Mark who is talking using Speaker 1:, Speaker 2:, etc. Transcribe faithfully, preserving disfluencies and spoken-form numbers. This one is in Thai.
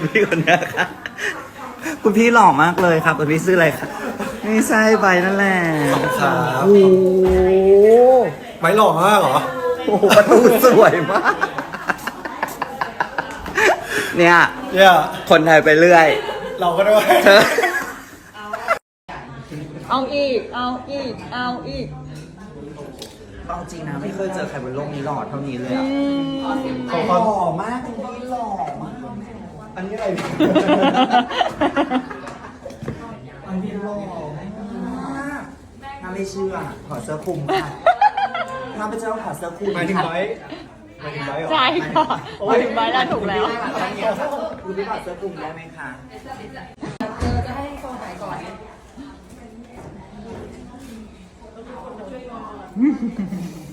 Speaker 1: คุณพี่คนนี้ค่ะคุณพี่หล่อมากเลยครับคุณพี่ซื้ออะไรครับไม่ใช่ใบนั่นแหละ
Speaker 2: ครับ
Speaker 1: โอ้โห
Speaker 2: ไม้หล่อมากเหรอ
Speaker 1: โอ้โหประตูสวยมากเนี่ย
Speaker 2: เนี่ย
Speaker 1: คนไทยไปเรื่อย
Speaker 2: เราก็ด้วย
Speaker 1: เธอ
Speaker 3: เอาอีก เอาอีก เอาอีก
Speaker 1: เอาจริงนะไม่เคยเจอใครบนโลกนี้หล่อเท่านี้เลยอะ
Speaker 2: ขอ
Speaker 1: ห
Speaker 2: ความ
Speaker 1: ล่อมากคุณพี่หล่อมาก
Speaker 2: อันนี้อะไร
Speaker 1: อันนี้หล่อมากน่าไม่เชื่อถอดเสื้อคลุมค่ะถ้าเป็นเจ้าถอดเสื้อคลุม
Speaker 2: หมายถึงไม้หมายถึงไม้เหรอ
Speaker 3: ใช่ค่ะมาถึงใบแล้วถูกแล้ว
Speaker 1: คุณพี่ถอดเสื้อคลุมได้ไหมคะ
Speaker 3: จะให้โซไหนก่อน
Speaker 1: เ